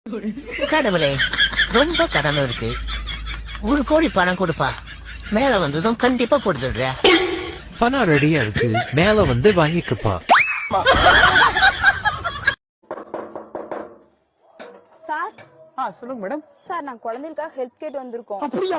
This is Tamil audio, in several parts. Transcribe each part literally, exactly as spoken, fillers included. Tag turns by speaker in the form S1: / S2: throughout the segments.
S1: கடவுளே, ரொம்ப கடமை இருக்கு. ஒரு கோடி பணம் கொடுப்பா, மேல வந்ததும் கண்டிப்பா கொடுத்துடுற.
S2: பணம் ரெடியா இருக்கு, மேல வந்து வாங்கிக்கப்பா.
S3: சார்,
S4: ஆ சொல்லுங்க மேடம்.
S3: சார் நான் குழந்தைகளுக்காக ஹெல்ப் கேட்டு வந்திருக்கோம்.
S4: அப்படியா?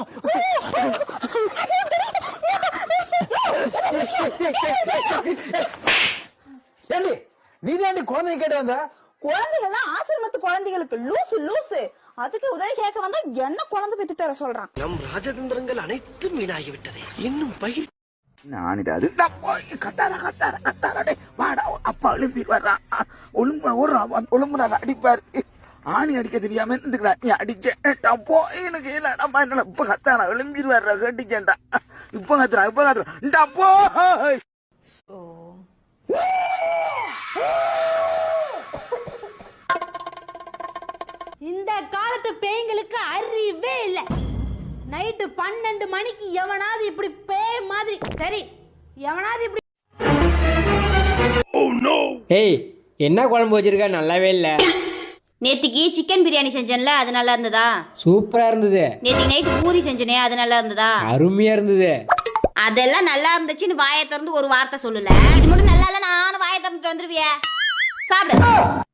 S4: ஏண்டி நீ தாண்டி குழந்தைங்க கேட்டு வந்த?
S3: குழந்தைகள்லாம் ஆசிரமத்து குழந்தைகளுக்கு லூசு லூசு அதுக்கு உதவி கேட்க வந்தா என்ன குழந்தை பெத்து தர சொல்றான்.
S1: நம் ராஜதந்திரங்கள் அனைத்தும் வீணாகிவிட்டது. இன்னும் பயிர்
S5: நானிடாது கத்தார கத்தார கத்தாரடே வாடா அப்பா எழுப்பி வர்றான். ஒழுங்கு ஒரு ஒழுங்குறாரு அடிப்பாரு. ஆணி அடிக்க தெரியாம இருந்துக்கிறா. நீ அடிச்சேன் போ எனக்கு இல்லடா என்னால இப்ப கத்தாரா எழும்பிடுவாரு கட்டிச்சேன்டா. இப்ப கத்துறா இப்ப கத்துறா போ.
S6: இந்த காலத்து பேய்களுக்கு அறிவே இல்ல. நைட்டு பன்னெண்டு மணிக்கு எவனாவது இப்படி பேய் மாதிரி சரி எவனாவது இப்படி
S7: ஏய் என்ன குழம்பு வச்சிருக்க? நல்லாவே இல்ல.
S8: நேத்திக்கு சிக்கன் பிரியாணி செஞ்சேன்ல, அது நல்லா இருந்ததா?
S7: சூப்பரா இருந்தது.
S8: நேத்திக்கு நைட்டு பூரி செஞ்சனே, அது நல்லா இருந்ததா?
S7: அருமையா இருந்தது.
S8: அதெல்லாம் நல்லா இருந்துச்சுன்னு வாயை திறந்து ஒரு வார்த்தை சொல்லல. இது மட்டும் நல்லா இல்ல, நானும் வாயை திறந்துட்டு வந்துருவிய. சாப்பிடு.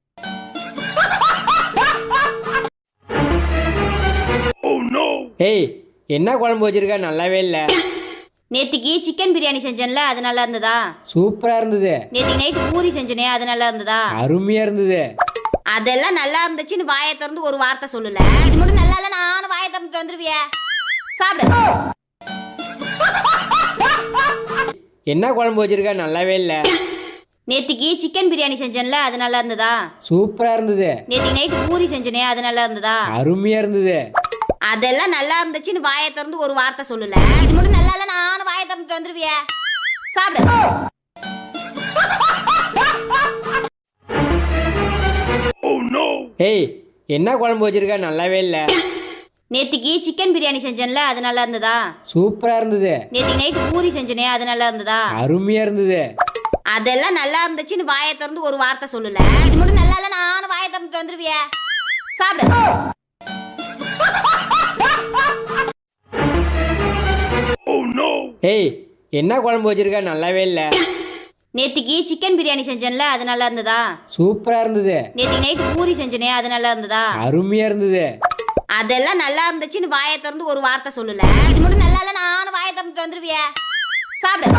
S7: ஏய் என்ன குழம்பு வச்சிருக்க? நல்லாவே இல்ல.
S8: நேத்திக்கு சிக்கன் பிரியாணி செஞ்சேன்ல, அது நல்லா இருந்ததா?
S7: சூப்பரா இருந்தது.
S8: நேத்திக்கு நைட்டு பூரி செஞ்சனே, அது நல்லா இருந்ததா?
S7: அருமையா இருந்தது.
S8: அதெல்லாம் நல்லா இருந்துச்சுன்னு வாயை திறந்து ஒரு வார்த்தை சொல்லல. இது மட்டும் நல்லா இல்ல, நானும் வாயை திறந்துட்டு வந்துருவிய. சாப்பிடு.
S7: என்ன குழம்பு வச்சிருக்க? நல்லாவே இல்ல.
S8: நேத்திக்கு சிக்கன் பிரியாணி செஞ்சேன்ல, அது நல்லா இருந்ததா?
S7: சூப்பரா இருந்தது.
S8: நேத்திக்கு நைட்டு பூரி செஞ்சனே, அது நல்லா இருந்ததா?
S7: அருமையா இருந்தது.
S8: அதெல்லாம் நல்லா இருந்துச்சுன்னு வாயை திறந்து ஒரு வார்த்தை சொல்லல. இது மட்டும் நல்லா இல்ல, நானும் வாயை திறந்துட்டு வந்துருவிய. சாப்பிடு.
S7: ஏய் என்ன குழம்பு வச்சிருக்க? நல்லாவே இல்ல.
S8: நேத்திக்கு சிக்கன் பிரியாணி செஞ்சேன்ல, அது நல்லா இருந்ததா?
S7: சூப்பரா இருந்தது.
S8: நேத்திக்கு நைட்டு பூரி செஞ்சனே, அது நல்லா இருந்ததா?
S7: அருமையா இருந்தது.
S8: அதெல்லாம் நல்லா இருந்துச்சுன்னு வாயை திறந்து ஒரு வார்த்தை சொல்லல. இது மட்டும் நல்லா இல்ல, நானும் வாயை திறந்துட்டு வந்துருவிய. சாப்பிடு.
S7: ஏய் என்ன குழம்பு வச்சிருக்க? நல்லாவே இல்ல.
S8: நேத்திக்கு சிக்கன் பிரியாணி செஞ்சேன்ல, அது நல்லா இருந்ததா?
S7: சூப்பரா இருந்தது.
S8: நேத்திக்கு நைட்டு பூரி செஞ்சனே, அது நல்லா இருந்ததா?
S7: அருமையா இருந்தது.
S8: அதெல்லாம் நல்லா இருந்துச்சுன்னு வாயை திறந்து ஒரு வார்த்தை சொல்லல. இது மட்டும் நல்லா இல்ல, நானும் வாயை திறந்துட்டு வந்துருவிய. சாப்பிடு.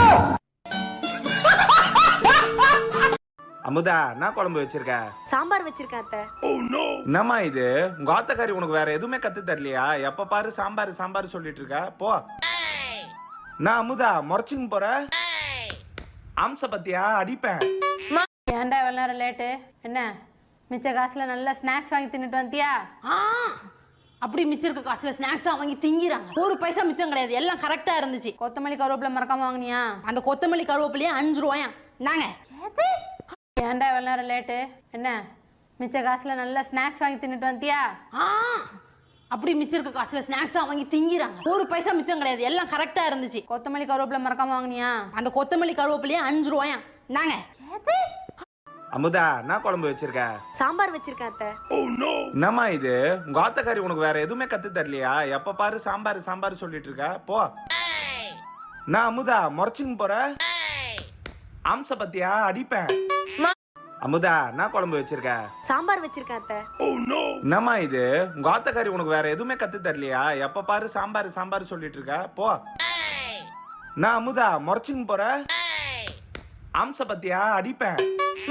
S5: அமுதா என்ன குழம்பு வச்சிருக்க?
S6: சாம்பார் வச்சிருக்கேன் அத்தை.
S5: என்னம்மா இது உங்க ஆத்தக்காரி உனக்கு வேற எதுவுமே கத்து தரலையா? எப்ப பாரு சாம்பார் சாம்பார் சொல்லிட்டு இருக்க. போ. நான் அமுதா முறைச்சுங்க போற அம்ச பத்தியா அடிப்பேன்.
S6: ஏன்டா இவ்வளவு நேரம் லேட்டு? என்ன மிச்ச காசுல நல்ல ஸ்நாக்ஸ் வாங்கி தின்னுட்டு வந்தியா? ஆ அப்படி மிச்சம் இருக்க காசுல ஸ்நாக்ஸா வாங்கி திங்கிறாங்க. ஒரு பைசா மிச்சம் கிடையாது, எல்லாம் கரெக்டா இருந்துச்சு. கொத்தமல்லி கருவேப்பிலை மறக்காம வாங்கினியா? அந்த கொத்தமல்லி கருவேப்பிலையே அஞ்சு ரூபாயா நாங்க. ஏன்டா இவ்வளவு நேரம் லேட்டு? என்ன மிச்ச காசுல நல்ல ஸ்நாக்ஸ் வாங்கி தின்னுட்டு வந்தியா? ஆ அப்படி மிச்சம் இருக்க காசுல ஸ்நாக்ஸா வாங்கி திங்கிறாங்க. ஒரு பைசா மிச்சம் கிடையாது, எல்லாம் கரெக்டா இருந்துச்சு. கொத்தமல்லி கருவேப்பிலை மறக்காம வாங்கினியா? அந்த கொத்தமல்லி கருவேப்பிலையே அஞ்சு ரூபாயா நாங்க.
S5: அமுதா என்ன குழம்பு வச்சிருக்க?
S6: சாம்பார் வச்சிருக்கேன் அத்தை.
S5: என்னம்மா இது உங்க ஆத்தக்காரி உனக்கு வேற எதுவுமே கத்து தரலையா? எப்ப பாரு சாம்பார் சாம்பார் சொல்லிட்டு இருக்க. போ. நான் அமுதா முறைச்சுங்க போற அம்ச பத்தியா அடிப்பேன். அமுதா என்ன குழம்பு வச்சிருக்க?
S6: சாம்பார் வச்சிருக்கேன் அத்தை.
S5: என்னம்மா இது உங்க ஆத்தக்காரி உனக்கு வேற எதுவுமே கத்து தரலையா? எப்ப பாரு சாம்பார் சாம்பார் சொல்லிட்டு இருக்க. போ. நான் அமுதா முறைச்சுங்க போற அம்ச பத்தியா அடிப்பேன்.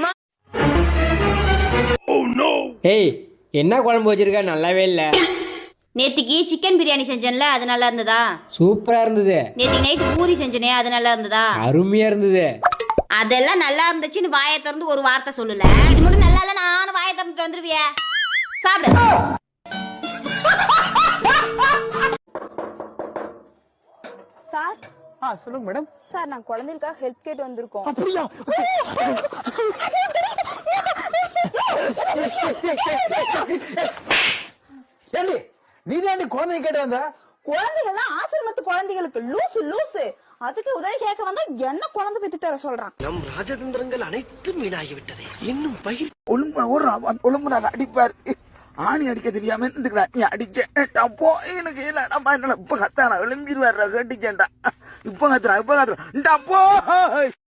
S7: ஏய் என்ன குழம்பு வச்சிருக்க? நல்லாவே இல்ல.
S8: நேத்திக்கு சிக்கன் பிரியாணி செஞ்சேன்ல, அது நல்லா இருந்ததா?
S7: சூப்பரா இருந்தது.
S8: நேத்திக்கு நைட்டு பூரி செஞ்சனே, அது நல்லா இருந்ததா?
S7: அருமையா இருந்தது.
S8: அதெல்லாம் நல்லா இருந்துச்சுன்னு வாயை திறந்து ஒரு வார்த்தை சொல்லல. இது மட்டும் நல்லா இல்ல, நானும் வாயை திறந்துட்டு வந்துருவிய. சாப்பிடு.
S3: சார்,
S4: ஆ சொல்லுங்க மேடம்.
S3: சார் நான் குழந்தைகளுக்காக ஹெல்ப் கேட்டு வந்திருக்கோம்.
S4: அப்படியா? ஏண்டி நீ தாண்டி குழந்தைங்க கேட்டு வந்த?
S3: குழந்தைகள்லாம் ஆசிரமத்து குழந்தைகளுக்கு லூசு லூசு அதுக்கு உதவி கேட்க வந்தா என்ன குழந்தை பெத்து தர சொல்றான்.
S1: நம் ராஜதந்திரங்கள் அனைத்தும் வீணாகிவிட்டது. இன்னும் பயிர்
S5: ஒழுங்கு ஒரு ஒழுங்குறாரு அடிப்பாரு. ஆணி அடிக்க தெரியாம இருந்துக்கடா நீ அடிச்சேன் போ எனக்கு இல்லடா என்னால இப்ப கத்தானா எழும்பிடுவாரு கேட்டுச்சேன்டா இப்ப கத்துறான் இப்ப கத்துறான் போ